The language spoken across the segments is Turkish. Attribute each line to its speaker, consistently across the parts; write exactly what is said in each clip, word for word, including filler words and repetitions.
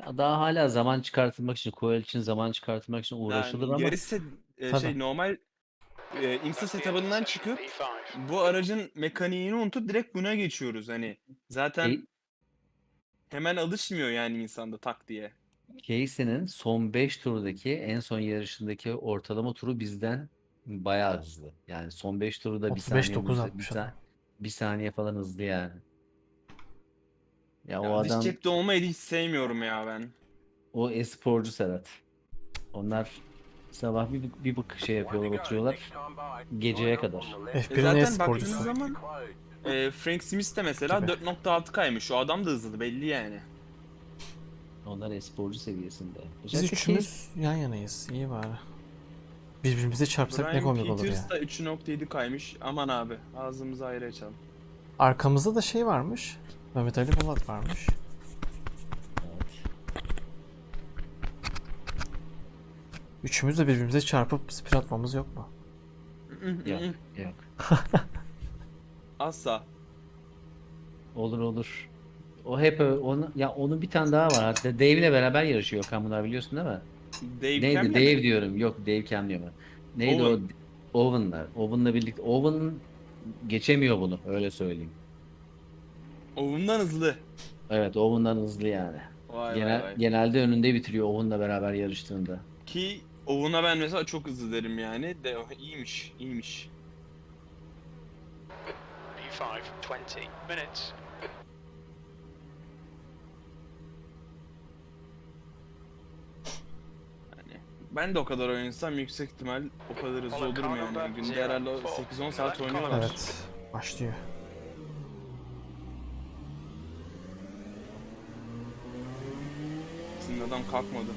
Speaker 1: Ya, daha hala zaman çıkartılmak için, Coil için zaman çıkartılmak için uğraşılır
Speaker 2: Yani
Speaker 1: ama
Speaker 2: yarış set eee,
Speaker 3: Tabii.
Speaker 2: şey normal, eee, IMSA setup'ından çıkıp bu aracın mekaniğini unutup direkt buna geçiyoruz. Hani zaten
Speaker 1: Key
Speaker 2: hemen alışmıyor yani insanda tak diye.
Speaker 1: Casey'nin son beş turdaki en son yarışındaki ortalama turu bizden bayağı hızlı. Yani son beş turu da bir
Speaker 3: otuz beş
Speaker 1: saniyenin
Speaker 3: dokuz
Speaker 1: üzeri bir
Speaker 3: atmış adam.
Speaker 1: sa bir saniye falan hızlı yani. Ya o
Speaker 2: Ya dış
Speaker 1: adam
Speaker 2: cepte olmayı hiç sevmiyorum ya ben.
Speaker 1: o e-sporcu Serhat. Onlar sabah bir, bir bak şey yapıyorlar, oturuyorlar geceye kadar.
Speaker 2: E
Speaker 3: F bir'in
Speaker 2: zaten baktığınız
Speaker 3: e-sporcusu
Speaker 2: zaman eee, Frank Smith de mesela
Speaker 3: gibi.
Speaker 2: dört nokta altı kaymış. O adam da hızlı belli yani.
Speaker 1: Onlar e-sporcu seviyesinde.
Speaker 3: Biz
Speaker 1: Özellikle Case
Speaker 3: üçümüz yan yanayız. İyi bari. Birbirimize çarpsak ne
Speaker 2: Brian
Speaker 3: komik olur
Speaker 2: Peters
Speaker 3: ya.
Speaker 2: da üç nokta yedi kaymış. Aman abi ağzımızı ayrı açalım.
Speaker 3: Arkamızda da şey varmış. Mehmet Ali Polat varmış.
Speaker 1: evet.
Speaker 3: Üçümüz de birbirimize çarpıp spin atmamız yok mu?
Speaker 1: Yok, yok.
Speaker 2: Asla.
Speaker 1: Olur olur. O hep ö- onu ya onun bir tane daha var. Hatta Dave'le beraber yarışıyor Okan, bunlar biliyorsun değil mi?
Speaker 2: Dave
Speaker 1: Neydi?
Speaker 2: Cam'le mi?
Speaker 1: Dave diyorum. Yok, Dave Cam diyorum. Neydi o?
Speaker 2: Owen.
Speaker 1: Owen'la. Owen'la birlikte. Owen geçemiyor bunu. Öyle söyleyeyim.
Speaker 2: Owen'dan hızlı.
Speaker 1: Evet, Owen'dan hızlı yani.
Speaker 2: Vay vay
Speaker 1: Genel,
Speaker 2: vay.
Speaker 1: genelde önünde bitiriyor Owen'la beraber yarıştığında.
Speaker 2: Ki Owen'a ben mesela çok hızlı derim yani. De iyiymiş, iyiymiş.
Speaker 4: P five, twenty minutes.
Speaker 2: Yani ben de o kadar oynasam yüksek ihtimal o kadar hızlı olurum yani. Günde herhalde sekiz on saat oynuyorlar.
Speaker 3: Evet. Başlıyor.
Speaker 2: Sizin adam kalkmadı.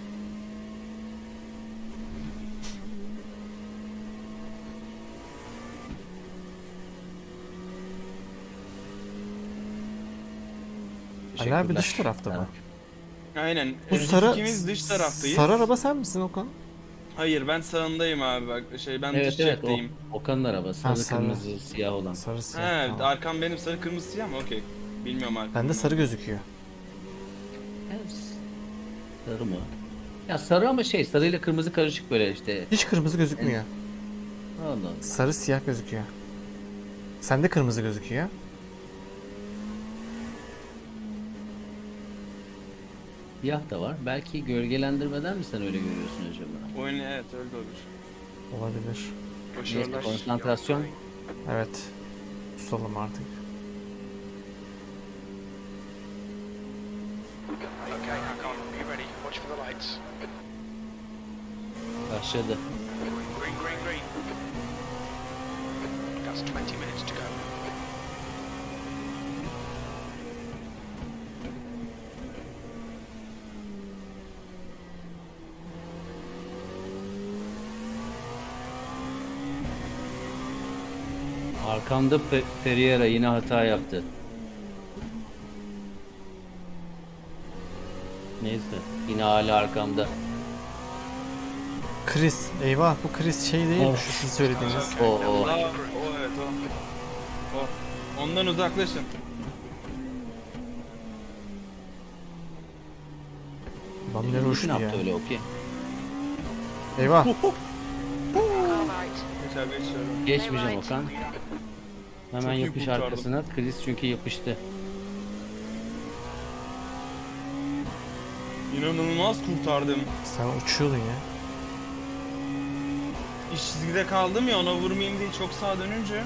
Speaker 3: Ali abi
Speaker 1: Teşekkürler.
Speaker 3: dış tarafta mı?
Speaker 2: Aynen.
Speaker 3: Bu
Speaker 2: e, Biz
Speaker 3: sarı
Speaker 2: ikimiz dış taraftayız.
Speaker 3: sarı araba sen misin Okan?
Speaker 2: Hayır ben sağındayım abi bak şey ben
Speaker 1: Evet
Speaker 2: dış
Speaker 1: evet, o
Speaker 2: cepteyim.
Speaker 1: Okan'ın arabası.
Speaker 3: Ha
Speaker 1: Sarı,
Speaker 3: sarı.
Speaker 1: kırmızı, siyah olan.
Speaker 3: Sarı siyah.
Speaker 2: He
Speaker 3: Tamam.
Speaker 2: arkam benim sarı kırmızı siyah mı? Okey. Bilmiyorum arkamın
Speaker 3: Bende
Speaker 2: ne
Speaker 3: sarı
Speaker 2: olduğunu.
Speaker 3: gözüküyor.
Speaker 1: Evet. Sarı mı? Ya sarı ama şey, sarıyla kırmızı karışık böyle işte.
Speaker 3: Hiç kırmızı gözükmüyor.
Speaker 1: Allah Allah.
Speaker 3: Sarı siyah gözüküyor. Sende kırmızı gözüküyor.
Speaker 1: Siyah da var. Belki gölgelendirmeden mi sen öyle görüyorsun acaba?
Speaker 2: Oyun evet öyle de olur.
Speaker 3: Olabilir.
Speaker 1: Neyse,
Speaker 2: Başarılar.
Speaker 1: konsantrasyon.
Speaker 3: Evet. Susalım artık.
Speaker 4: Okay, hang on. Be ready. Watch for the lights.
Speaker 1: Başladı.
Speaker 4: Green, green, green. That's twenty minutes to go.
Speaker 1: Arkamda Pe Pereira yine hata yaptı. Neyse. Yine hala arkamda.
Speaker 3: Chris. Eyvah bu Chris şey değil mi? Şu sizin söylediğiniz.
Speaker 1: O o.
Speaker 2: Aa, o evet o. O. Ondan uzaklaşın.
Speaker 3: Lan ne
Speaker 1: Ne
Speaker 3: uçtu ya.
Speaker 1: yaptı öyle, okey.
Speaker 3: Eyvah.
Speaker 2: Geçer geçiyorum.
Speaker 1: Geçmeyeceğim Okan. Hemen
Speaker 2: Çok iyi
Speaker 1: yapış
Speaker 2: kurtardım.
Speaker 1: arkasına. Chris çünkü yapıştı.
Speaker 2: İnanılmaz kurtardım.
Speaker 3: Sen uçuyordun ya.
Speaker 2: İş çizgide kaldım ya ona vurmayayım diye çok sağa dönünce.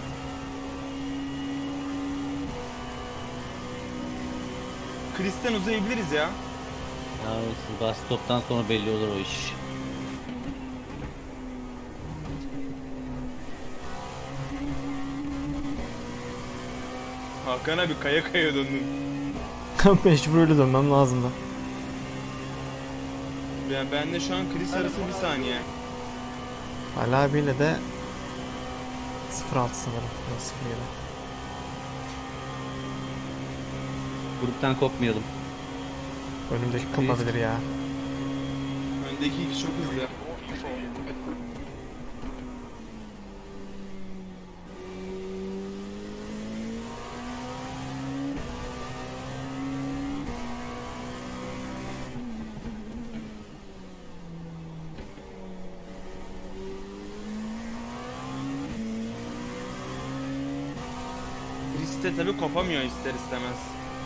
Speaker 2: Chris'ten uzayabiliriz ya.
Speaker 1: Ya bas stoptan sonra belli olur o iş.
Speaker 2: Hakan abi kaya kaya döndün.
Speaker 3: Mecbur öyle dönmem lazım da.
Speaker 2: Yani ben de şu an Chris arası bir saniye.
Speaker 3: Ali abiyle de sıfır altı sanırım. Yok, sıfır yedi.
Speaker 1: Gruptan kopmayalım.
Speaker 3: Önümdeki kopabilir ya.
Speaker 2: Öndeki iki çok hızlı. de tabii kopamıyor ister istemez.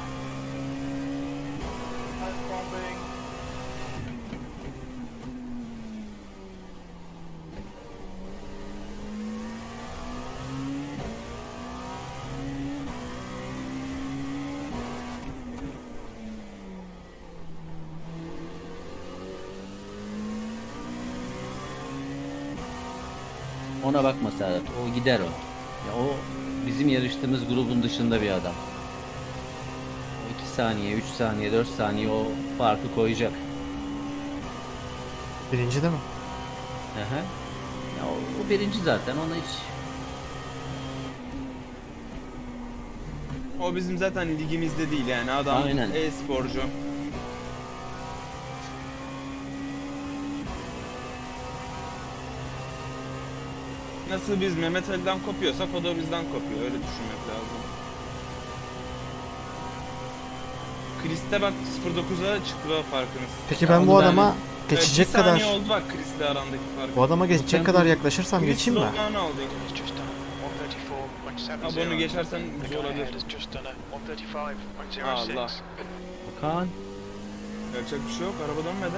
Speaker 1: Ona bakma Serhat. O gider o. Ya o bizim yarıştığımız grubun dışında bir adam. O iki saniye, üç saniye, dört saniye o farkı koyacak.
Speaker 3: Birinci değil mi?
Speaker 1: Aha. Ya o, o birinci zaten. Ona hiç
Speaker 2: O bizim zaten ligimizde değil yani adam
Speaker 1: Aynen.
Speaker 2: e-sporcu. Nasıl biz Mehmet Ali'den kopuyorsak o da bizden kopuyor. Öyle düşünmek lazım. Chris'te bak sıfır dokuza çıktı bak farkınız.
Speaker 3: Peki
Speaker 1: Ya
Speaker 3: ben bu
Speaker 1: onu ben-
Speaker 3: adama
Speaker 2: Evet,
Speaker 3: geçecek
Speaker 2: bir
Speaker 3: kadar
Speaker 2: saniye oldu bak Chris'le arandaki fark.
Speaker 3: bu adama geçecek
Speaker 1: Mükemmel.
Speaker 3: kadar yaklaşırsam
Speaker 2: Chris
Speaker 3: geçeyim mi?
Speaker 2: slowdown aldı.
Speaker 4: It's just done a one thirty-four point seven
Speaker 2: Abi
Speaker 4: zero.
Speaker 2: onu geçersen
Speaker 4: The
Speaker 2: güzel
Speaker 4: guy
Speaker 2: olabilir.
Speaker 4: ahead has just done a one thirty-five point zero
Speaker 2: Allah.
Speaker 4: six.
Speaker 1: Kaan.
Speaker 2: Yapacak bir şey yok. Araba dönmedi.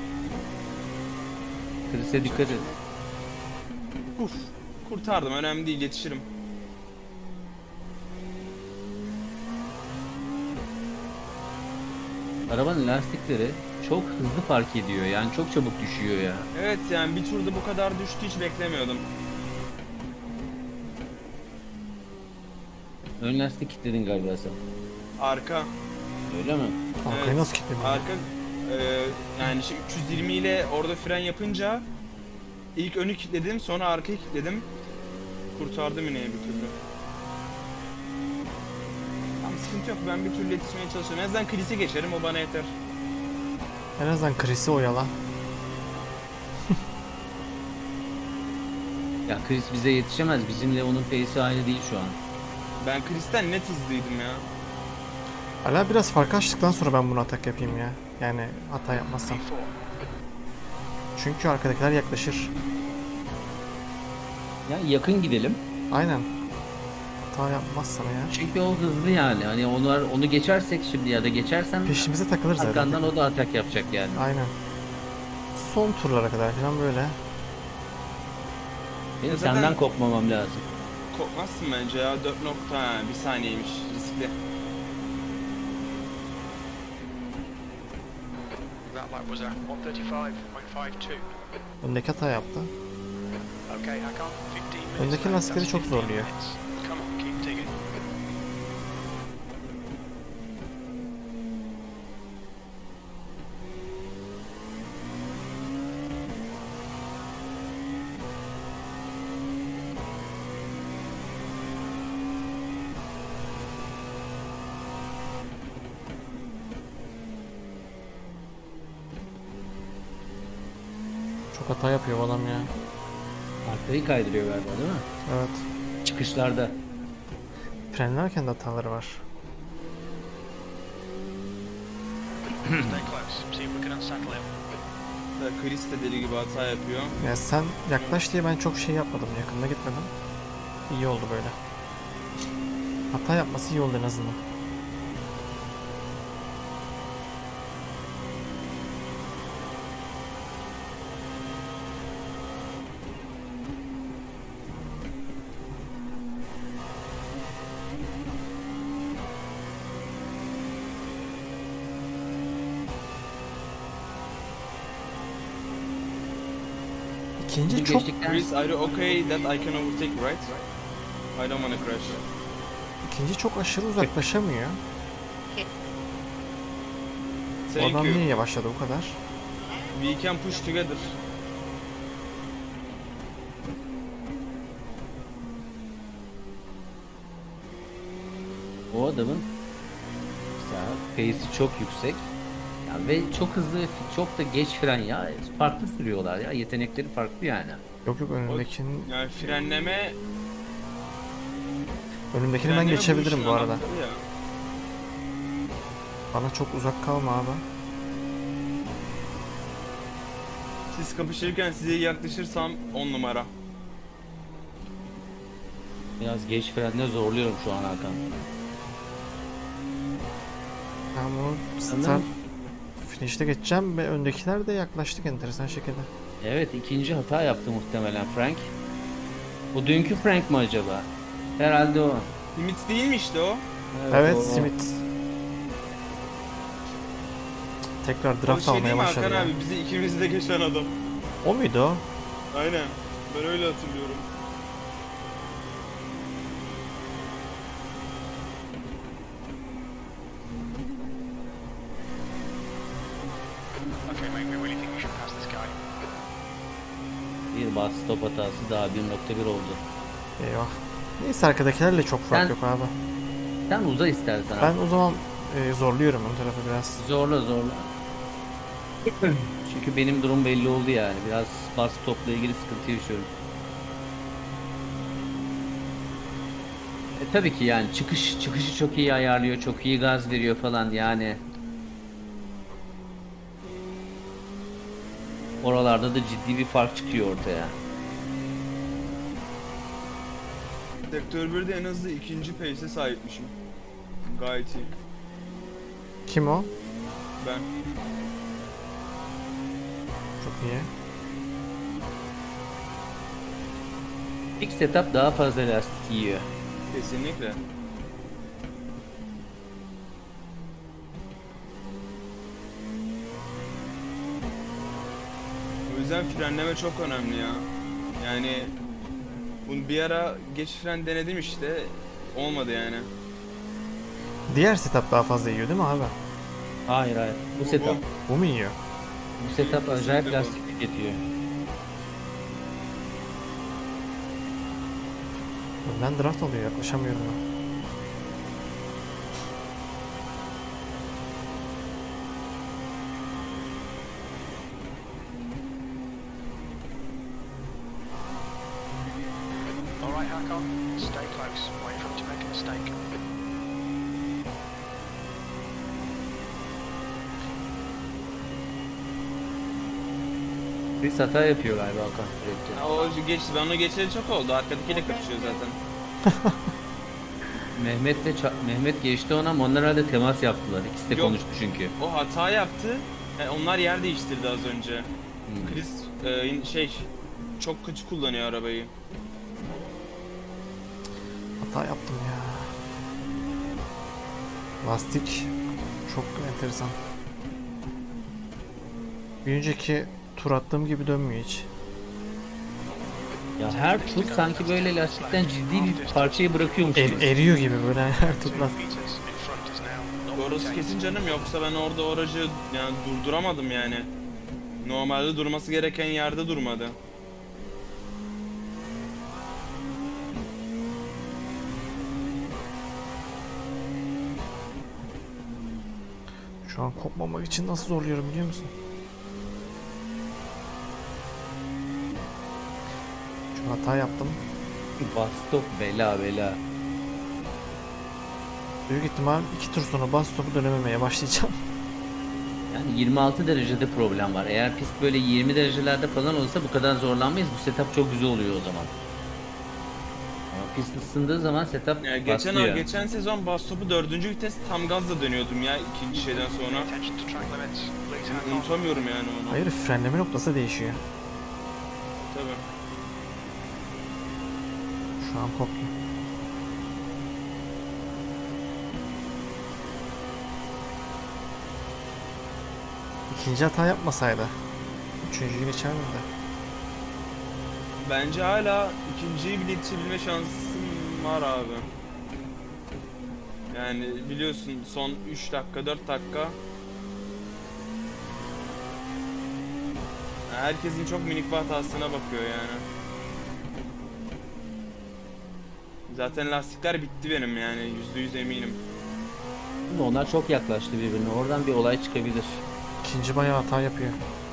Speaker 1: Chris'e dikkat et.
Speaker 2: Uf. Kurtardım. Önemli değil. Yetişirim.
Speaker 1: Arabanın lastikleri çok hızlı fark ediyor. Yani çok çabuk düşüyor ya.
Speaker 2: Evet yani bir turda bu kadar düştü hiç beklemiyordum.
Speaker 1: Ön lastik kilitledin galiba sen.
Speaker 2: Arka.
Speaker 1: Öyle mi?
Speaker 3: Arkayı
Speaker 2: Evet.
Speaker 3: nasıl kilitledim?
Speaker 2: Arka e, yani şimdi üç yüz yirmi ile orada fren yapınca ilk önü kilitledim sonra arkayı kilitledim. Kurtardım yine bir türlü. Tamam sıkıntı yok ben bir türlü yetişmeye çalışıyorum. En azından Chris'i geçerim o bana yeter.
Speaker 3: En azından Chris'i oyala.
Speaker 1: Ya Chris bize yetişemez. Bizimle onun pace'i aynı değil şu an.
Speaker 2: Ben Chris'ten net hızlıydım ya.
Speaker 3: Hala biraz fark açtıktan sonra ben bunu atak yapayım ya. Yani hata yapmazsam.
Speaker 4: P four.
Speaker 3: Çünkü arkadakiler yaklaşır.
Speaker 1: Ya yakın gidelim.
Speaker 3: Aynen. Hata yapmazsam ya.
Speaker 1: Çünkü o hızlı yani. Hani onlar onu geçersek şimdi ya da geçersen
Speaker 3: Peşimize takılır zaten.
Speaker 1: arkandan o da atak yapacak yani.
Speaker 3: Aynen. Son turlara kadar falan böyle.
Speaker 1: Benim
Speaker 2: Ya zaten-
Speaker 1: senden kopmamam lazım.
Speaker 2: Kopmazsın bence ya dört nokta ha, bir saniyeymiş riskli.
Speaker 4: That lap was a one thirty-five point five two.
Speaker 3: Öndeki hata yaptı.
Speaker 4: Okay, Hakan, fifteen minutes.
Speaker 3: Öndeki
Speaker 4: left,
Speaker 3: lastikleri
Speaker 4: that's
Speaker 3: çok
Speaker 4: fifteen
Speaker 3: zorluyor.
Speaker 4: minutes. Come on, keep digging.
Speaker 3: Çok hata yapıyor bu adam ya.
Speaker 1: Arkayı kaydırıyor galiba değil mi?
Speaker 3: Evet.
Speaker 1: Çıkışlarda.
Speaker 3: Frenlerken de hataları var.
Speaker 4: Stay close. See if we can unsettle him.
Speaker 2: Ya Chris de deli gibi hata yapıyor.
Speaker 3: Ya sen yaklaş diye ben çok şey yapmadım. Yakında gitmedim. İyi oldu böyle. Hata yapması iyi oldu en azından. İkinci
Speaker 1: Bunu
Speaker 3: çok
Speaker 1: geçtikten
Speaker 2: Chris, are you okay that I can overtake right? I don't wanna crash.
Speaker 3: ikinci çok aşırı uzaklaşamıyor. Bu
Speaker 2: Thank
Speaker 3: adam niye
Speaker 2: you.
Speaker 3: yavaşladı bu kadar?
Speaker 2: We can push together.
Speaker 1: o adamın mesela pace'i çok yüksek. Ya ve çok hızlı, çok da geç fren ya. Farklı sürüyorlar ya. Yetenekleri farklı yani.
Speaker 3: Yok yok önündekinin
Speaker 2: Yani frenleme...
Speaker 3: önümdekini ben
Speaker 2: frenleme
Speaker 3: geçebilirim
Speaker 2: işin
Speaker 3: bu arada.
Speaker 2: anahtarı ya.
Speaker 3: Bana çok uzak kalma abi.
Speaker 2: Siz kapışırken size yaklaşırsam on numara.
Speaker 1: Biraz geç frenle zorluyorum şu an Hakan.
Speaker 3: Ben bunu
Speaker 1: Anladın
Speaker 3: start
Speaker 1: mı?
Speaker 3: finish'te geçeceğim ve öndekiler de yaklaştık enteresan şekilde.
Speaker 1: Evet, ikinci hata yaptı muhtemelen Frank. O dünkü Frank mı acaba? Herhalde o.
Speaker 2: Limits değil mi işte o?
Speaker 3: Evet,
Speaker 1: o, o.
Speaker 3: Smith. Tekrar
Speaker 2: O
Speaker 3: draft
Speaker 2: şey değil
Speaker 3: almaya
Speaker 2: mi
Speaker 3: başladı
Speaker 2: Hakan
Speaker 3: ya.
Speaker 2: abi? Bizi ikimizi de geçen adam.
Speaker 3: O muydu o?
Speaker 2: Aynen. Ben öyle hatırlıyorum.
Speaker 4: Okay, mate, we really think we should pass this guy.
Speaker 1: Bir bas stop hatası daha bir nokta bir oldu.
Speaker 3: Eyvah. Neyse arkadakilerle çok fark
Speaker 1: Ben-
Speaker 3: yok abi.
Speaker 1: Sen uza istersen.
Speaker 3: Ben o zaman e, zorluyorum ön tarafı biraz.
Speaker 1: Zorla zorla. Çünkü benim durum belli oldu yani. Biraz bas stopla ilgili sıkıntı yaşıyorum. E, tabii ki yani çıkış çıkışı çok iyi ayarlıyor, çok iyi gaz veriyor falan yani. Oralarda da ciddi bir fark çıkıyor ortaya.
Speaker 2: Sektör birde en hızlı ikinci pace'e sahipmişim. Gayet iyi.
Speaker 3: Kim o?
Speaker 2: Ben.
Speaker 3: Çok iyi.
Speaker 1: İlk setup daha fazla lastik yiyor.
Speaker 2: Kesinlikle. O yüzden frenleme çok önemli ya. Yani bunu bir ara geç fren denedim işte. Olmadı yani.
Speaker 3: Diğer setup daha fazla yiyor değil mi abi?
Speaker 1: Hayır hayır. Bu
Speaker 2: Bu-
Speaker 1: setup.
Speaker 3: Bu mu yiyor?
Speaker 1: Bu setup acayip
Speaker 2: Kesinlikle bu.
Speaker 1: lastik tüketiyor.
Speaker 3: Önden draft alıyor, yaklaşamıyorum ben.
Speaker 4: All right, Hakon, stay close. Wait for him to make a mistake.
Speaker 1: Chris hata yapıyor galiba Hakan sürekli.
Speaker 2: Ya o geçti. Ben onu geçeli çok oldu. Arkadakiyle karışıyor zaten.
Speaker 1: Mehmet de ça- Mehmet geçti ona ama onlar herhalde temas yaptılar. İkisi de
Speaker 2: Yok.
Speaker 1: konuştu çünkü.
Speaker 2: O hata yaptı. Yani onlar yer değiştirdi az önce.
Speaker 1: Hmm.
Speaker 2: Chris e, şey çok kötü kullanıyor arabayı.
Speaker 3: Hata yaptım ya. Lastik çok enteresan. Bir önceki tur attığım gibi dönmüyor hiç.
Speaker 1: Ya her tur sanki böyle lastikten ciddi bir parçayı bırakıyormuş
Speaker 3: Er-
Speaker 1: gibi.
Speaker 3: eriyor gibi böyle her
Speaker 4: Two
Speaker 3: tur lastik.
Speaker 4: meters in front is now not
Speaker 2: Orası
Speaker 4: the
Speaker 2: kesin canım, yoksa ben orada o aracı yani durduramadım yani. Normalde durması gereken yerde durmadı.
Speaker 3: Şu an kopmamak için nasıl zorluyorum biliyor musun? Şu hata yaptım.
Speaker 1: Bas stop bela bela.
Speaker 3: Büyük ihtimal iki tur sonra bas stopu dönememeye başlayacağım.
Speaker 1: Yani yirmi altı derecede problem var. Eğer pist böyle yirmi derecelerde falan olsa bu kadar zorlanmayız. Bu setup çok güzel oluyor o zaman. Ama pist ısındığı zaman setup
Speaker 2: Yani geçen
Speaker 1: patlıyor.
Speaker 2: geçen sezon bas topu dördüncü vites tam gazla dönüyordum ya ikinci şeyden sonra.
Speaker 4: attention to track limits. Please, Hakon.
Speaker 2: Unutamıyorum yani onu.
Speaker 3: Hayır, frenleme noktası değişiyor.
Speaker 2: Tabii.
Speaker 3: Şu an koptu. İkinci hata yapmasaydı üçüncüyü geçer miydi?
Speaker 2: Bence hala ikinciyi bile yetişebilme şansım var abi. Yani biliyorsun son üç dakika dört dakika. Herkesin çok minik bir hatasına bakıyor yani. Zaten lastikler bitti benim yani yüzde yüz eminim.
Speaker 1: Ama onlar çok yaklaştı birbirine. Oradan bir olay çıkabilir.
Speaker 3: İkinci bayağı hata yapıyor.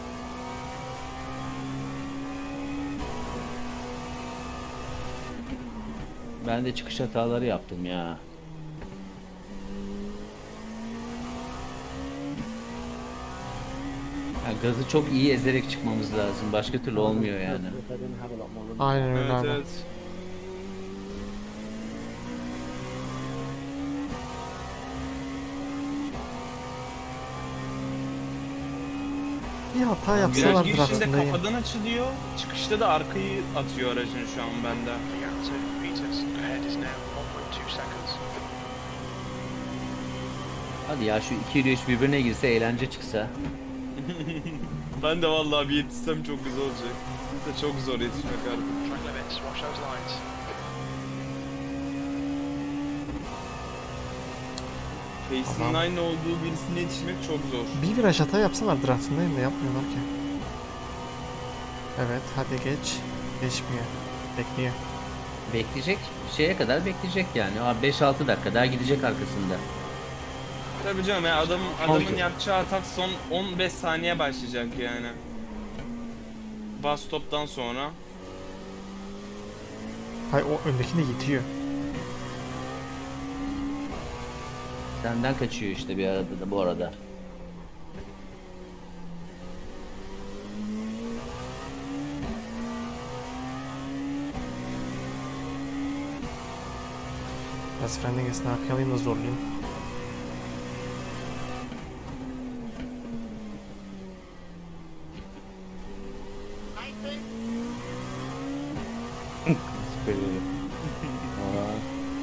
Speaker 1: Ben de çıkış hataları yaptım ya. Ya gazı çok iyi ezerek çıkmamız lazım. Başka türlü olmuyor yani.
Speaker 3: Aynen öyle
Speaker 2: Evet
Speaker 3: abi.
Speaker 2: evet.
Speaker 3: Bir hata
Speaker 2: Viraj
Speaker 3: yapsalar
Speaker 2: girişinde
Speaker 3: draftında iyi.
Speaker 2: kafadan açılıyor. Çıkışta da arkayı atıyor aracın şu an bende.
Speaker 4: The gap to Peters ahead is now one point two seconds.
Speaker 1: Hadi ya şu iki ile üç birbirine girse eğlence çıksa.
Speaker 2: Ben de vallahi bir yetişsem çok güzel olacak. De çok zor yetişmek artık.
Speaker 4: Track limits, watch those lines.
Speaker 2: Pace'in
Speaker 3: Adam-
Speaker 2: aynı olduğu birisine yetişmek çok zor.
Speaker 3: Bir viraj hata yapsalar draftındayım da yapmıyorlar ki. Evet hadi geç. Geçmiyor. Bekliyor.
Speaker 1: Bekleyecek şeye kadar bekleyecek yani. Aa, beş altı dakika daha gidecek arkasında.
Speaker 2: Tabii canım ya adamın, adamın
Speaker 1: Oldu.
Speaker 2: yapacağı atak son on beş saniye başlayacak yani. Bas stop'tan sonra.
Speaker 3: Hay o öndekini yitiyor.
Speaker 1: Senden kaçıyor işte bir arada da bu arada.
Speaker 3: Biraz fren dengesini arkaya alayım da zorlayayım.
Speaker 1: Süper oluyor. Aa.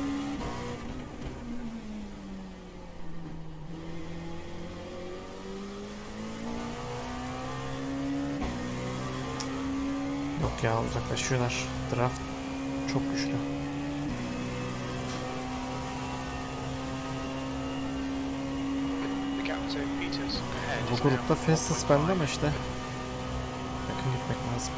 Speaker 3: Yok ya uzaklaşıyorlar. Draft çok güçlü.
Speaker 4: The gap to Peters ahead
Speaker 3: Bu
Speaker 4: is now
Speaker 3: grupta
Speaker 4: one
Speaker 3: fastest
Speaker 4: point
Speaker 3: bende ama
Speaker 4: five.
Speaker 3: işte. Yakın gitmek lazım.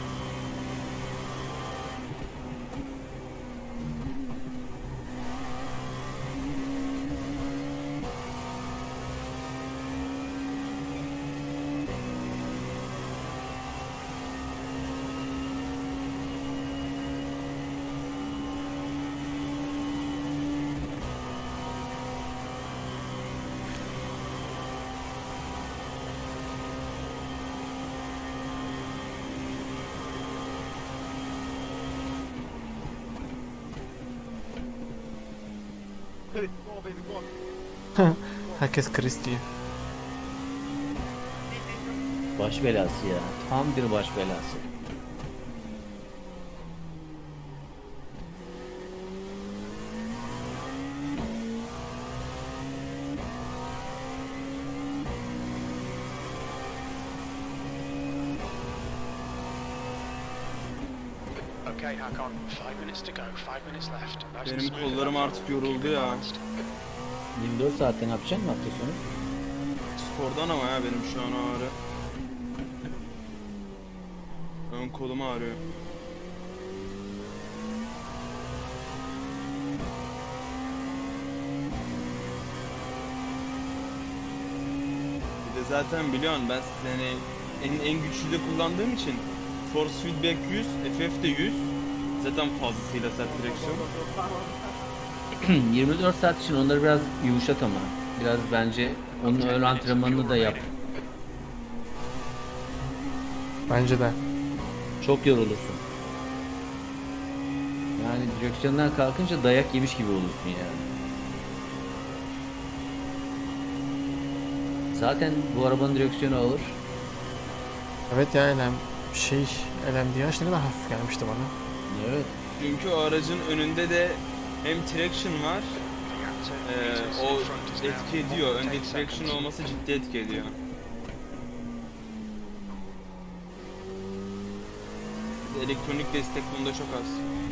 Speaker 3: Herkes Chris diyor.
Speaker 1: Baş belası ya. Tam bir baş belası.
Speaker 4: Okay, Hakon, five minutes to go, five minutes left. Nice and
Speaker 2: Benim
Speaker 4: smooth
Speaker 2: kollarım
Speaker 4: enough.
Speaker 2: artık yoruldu
Speaker 4: Keep it
Speaker 2: ya.
Speaker 4: balanced.
Speaker 1: yirmi dört saatte ne yapacaksın hafta sonu?
Speaker 2: Spordan ama ya benim şu an ağrı. Ön kolum ağrıyor. Bir de zaten biliyorsun ben seni en, en güçlü de kullandığım için Force Feedback yüz, F F de yüz. Zaten fazlasıyla sert direksiyon.
Speaker 1: yirmi dört saat için onları biraz yumuşat ama. Biraz bence onun ön antrenmanını da yap.
Speaker 3: Bence de.
Speaker 1: Çok yorulursun. Yani direksiyondan kalkınca dayak yemiş gibi olursun yani. Zaten bu arabanın direksiyonu ağır.
Speaker 3: Evet ya elem şey elem diye ne kadar hafif gelmişti bana.
Speaker 1: Evet.
Speaker 2: Çünkü o aracın önünde de hem traction var,
Speaker 4: The gap to
Speaker 2: Ee,
Speaker 4: Peters
Speaker 2: o
Speaker 4: in front is now
Speaker 2: etki
Speaker 4: one
Speaker 2: ediyor.
Speaker 4: point
Speaker 2: Önde
Speaker 4: eight
Speaker 2: traction
Speaker 4: seconds.
Speaker 2: olması ciddi etki ediyor. Bir de elektronik destek bunda çok az.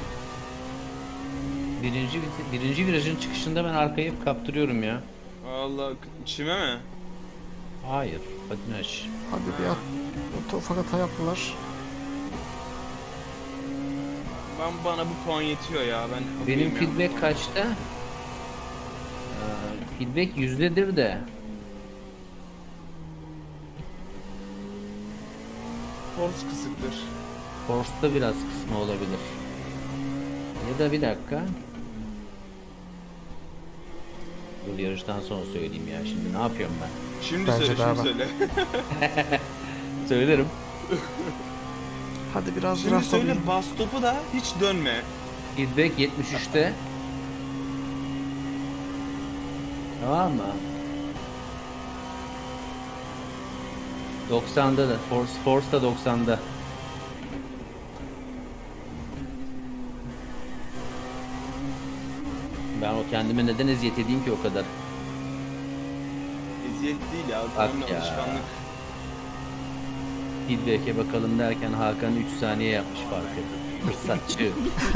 Speaker 1: Birinci, birinci virajın çıkışında ben arkayı hep kaptırıyorum ya.
Speaker 2: Allah içime mi?
Speaker 1: Hayır. Patinaj.
Speaker 3: Hadi bir at. Ufak ufak hata yaptılar.
Speaker 2: Ben bana bu puan yetiyor ya. Ben
Speaker 1: Benim
Speaker 2: okeyim ya bu
Speaker 1: feedback
Speaker 2: puan.
Speaker 1: kaçta? Ee, feedback yüzdedir de.
Speaker 2: Force kısıktır.
Speaker 1: Force'da biraz kısmı olabilir. Ya da bir dakika. Dur yarıştan sonra söyleyeyim ya. Şimdi ne yapıyorum ben?
Speaker 2: Şimdi
Speaker 3: Bence
Speaker 2: söyle,
Speaker 3: daha
Speaker 2: şimdi
Speaker 3: bak.
Speaker 2: söyle.
Speaker 1: Söylerim.
Speaker 3: Hadi biraz
Speaker 2: Şimdi
Speaker 3: biraz
Speaker 2: söyle
Speaker 3: alayım.
Speaker 2: bas topu da hiç dönme.
Speaker 1: Feedback yetmiş üçte. Tamam mı? doksanda da. Force, Force da doksanda. Ben o kendime neden eziyet edeyim ki o kadar?
Speaker 2: Eziyet değil ya. Tamamen
Speaker 1: ya.
Speaker 2: alışkanlık.
Speaker 1: Feedback'e bakalım derken Hakan üç saniye yapmış farkı. Fırsatçı.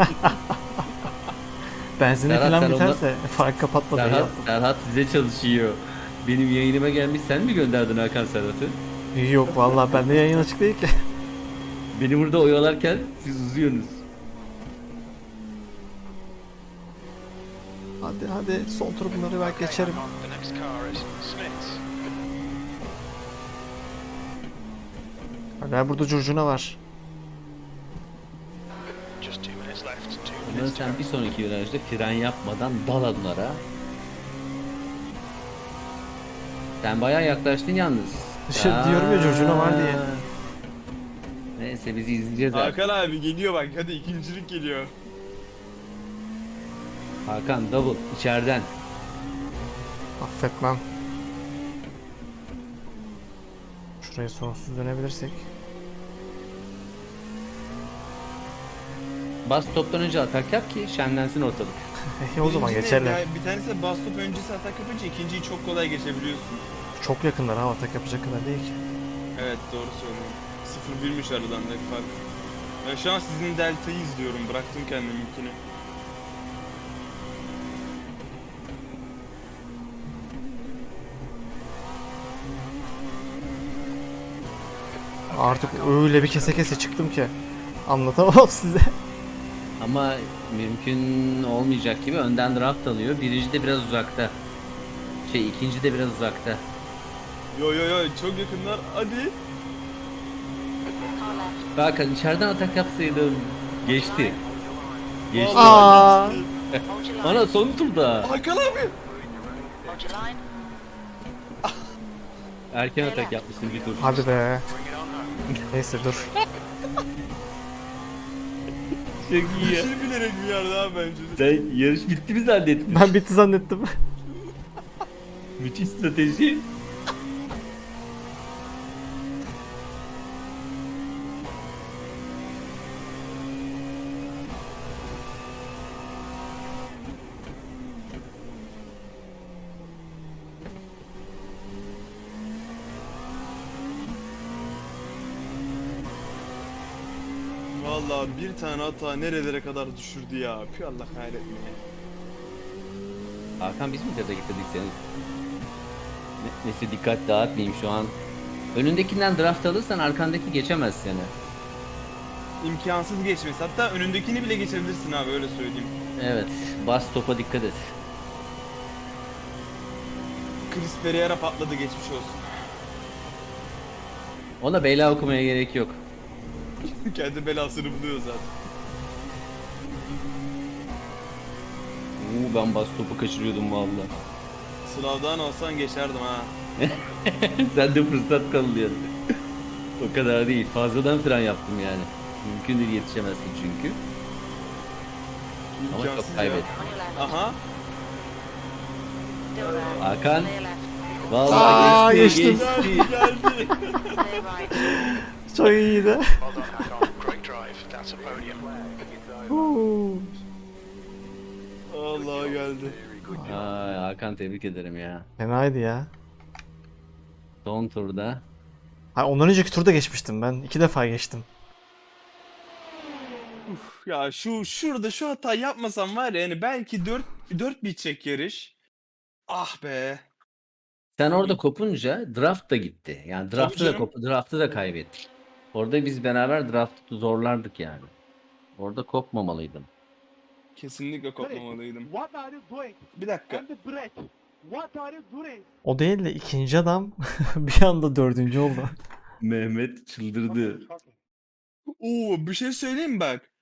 Speaker 3: Benzini
Speaker 1: Serhat,
Speaker 3: falan
Speaker 1: sen ondan-
Speaker 3: biterse fark kapatmadı. iyi
Speaker 1: Serhat,
Speaker 3: yaptın.
Speaker 1: Serhat size çalışıyor. Benim yayınıma gelmiş, sen mi gönderdin Hakan Serhat'ı?
Speaker 3: Yok vallahi bende yayın açık değil ki.
Speaker 1: Beni burada oyalarken siz uzuyorsunuz.
Speaker 3: Hadi hadi son tur bunları belki
Speaker 4: Okay,
Speaker 3: geçerim.
Speaker 4: hang on. The next car is Smith's.
Speaker 3: Hala burada curcuna var.
Speaker 4: Just two minutes left. Two
Speaker 1: Ondan
Speaker 4: minutes to
Speaker 1: sen
Speaker 4: go.
Speaker 1: bir sonraki virajda fren yapmadan dal onlara. Sen bayağı yaklaştın yalnız.
Speaker 3: İşte diyorum ya, curcuna var diye.
Speaker 1: Neyse bizi izleyeceğiz artık.
Speaker 2: Hakan abi geliyor bak, hadi ikincilik geliyor.
Speaker 1: Hakan double içeriden.
Speaker 3: Affetmem. Şurayı sonsuz dönebilirsek.
Speaker 1: Bas toptan önce atak yap ki şenlensin ortalık.
Speaker 3: E, o zaman
Speaker 2: Birinci de
Speaker 3: geçerler.
Speaker 2: ya, bir tanesi bas top öncesi atak yapınca ikinciyi çok kolay geçebiliyorsun.
Speaker 3: Çok yakınlar ha, atak yapacak kadar değil ki.
Speaker 2: Evet, doğru söylüyorum. sıfır birmiş aralarındaki fark. Ben şu an sizin deltayı izliyorum. Bıraktım kendiminkini.
Speaker 3: Artık öyle bir kese kese çıktım ki anlatamam size.
Speaker 1: Ama mümkün olmayacak gibi önden draft alıyor. Birinci de biraz uzakta. Şey ikinci de biraz uzakta.
Speaker 2: Yo yo yo, çok yakınlar. Hadi.
Speaker 1: Hakan içeriden atak yapsaydın. Geçti. Geçti.
Speaker 3: Aa,
Speaker 1: Ana son turda.
Speaker 2: Hakan abi.
Speaker 1: Erken atak yapmışsın bir tur.
Speaker 3: hadi be. Neyse dur.
Speaker 1: Çok iyi ya.
Speaker 2: Bir şey bilerek bir yerde abi bence de.
Speaker 1: Sen yarış bitti mi zannettin?
Speaker 3: Ben bitti zannettim.
Speaker 1: Müthiş strateji.
Speaker 2: Vallahi bir tane hata nerelere kadar düşürdü ya. Pü Allah kahretmeye.
Speaker 1: Hakan biz mi gaza getirdik seni? Ne, neyse dikkat dağıtmayayım şu an. Önündekinden draft alırsan arkandaki geçemez seni.
Speaker 2: İmkansız geçmesi. Hatta önündekini bile geçebilirsin abi, öyle söyleyeyim.
Speaker 1: Evet, bas topa dikkat et.
Speaker 2: Chris Pereira patladı, geçmiş olsun.
Speaker 1: Ona beyla okumaya gerek yok.
Speaker 2: Kendi belasını buluyor zaten.
Speaker 1: Uuu ben bas topu kaçırıyordum valla.
Speaker 2: Sınavdan olsan geçerdim ha.
Speaker 1: Sen de fırsat kalıyor. O kadar değil. Fazladan fren yaptım yani. Mümkün değil, yetişemezsin çünkü. Ama
Speaker 2: İmkansız
Speaker 1: çok
Speaker 2: ya.
Speaker 1: kaybettim.
Speaker 2: Aha.
Speaker 1: Hakan.
Speaker 3: Aa,
Speaker 1: Vallahi geçti,
Speaker 3: geçtim.
Speaker 1: geçti.
Speaker 2: Geldi.
Speaker 3: Çok iyiydi.
Speaker 4: Well done, Hakan. Great drive. That's a podium.
Speaker 3: Huu.
Speaker 2: Allah geldi.
Speaker 1: Ay, Hakan tebrik ederim ya.
Speaker 3: Fenaydı ya.
Speaker 1: Son turda.
Speaker 3: Ha, ondan önceki turda geçmiştim ben. İki defa geçtim.
Speaker 2: Uf, ya şu şurada şu hata yapmasam var ya, yani belki dört dört bitecek yarış. Ah be.
Speaker 1: Sen orada kopunca draft da gitti. Yani draftı da
Speaker 2: canım.
Speaker 1: kop draftı da kaybettik. Orada biz beraber draftı zorlardık yani. Orada kopmamalıydım.
Speaker 2: Kesinlikle kopmamalıydım.
Speaker 5: What are you doing?
Speaker 2: Bir dakika.
Speaker 5: And the brake. What are you doing?
Speaker 3: O değil de ikinci adam bir anda dördüncü oldu.
Speaker 1: Mehmet çıldırdı.
Speaker 2: Oo, bir şey söyleyeyim mi bak.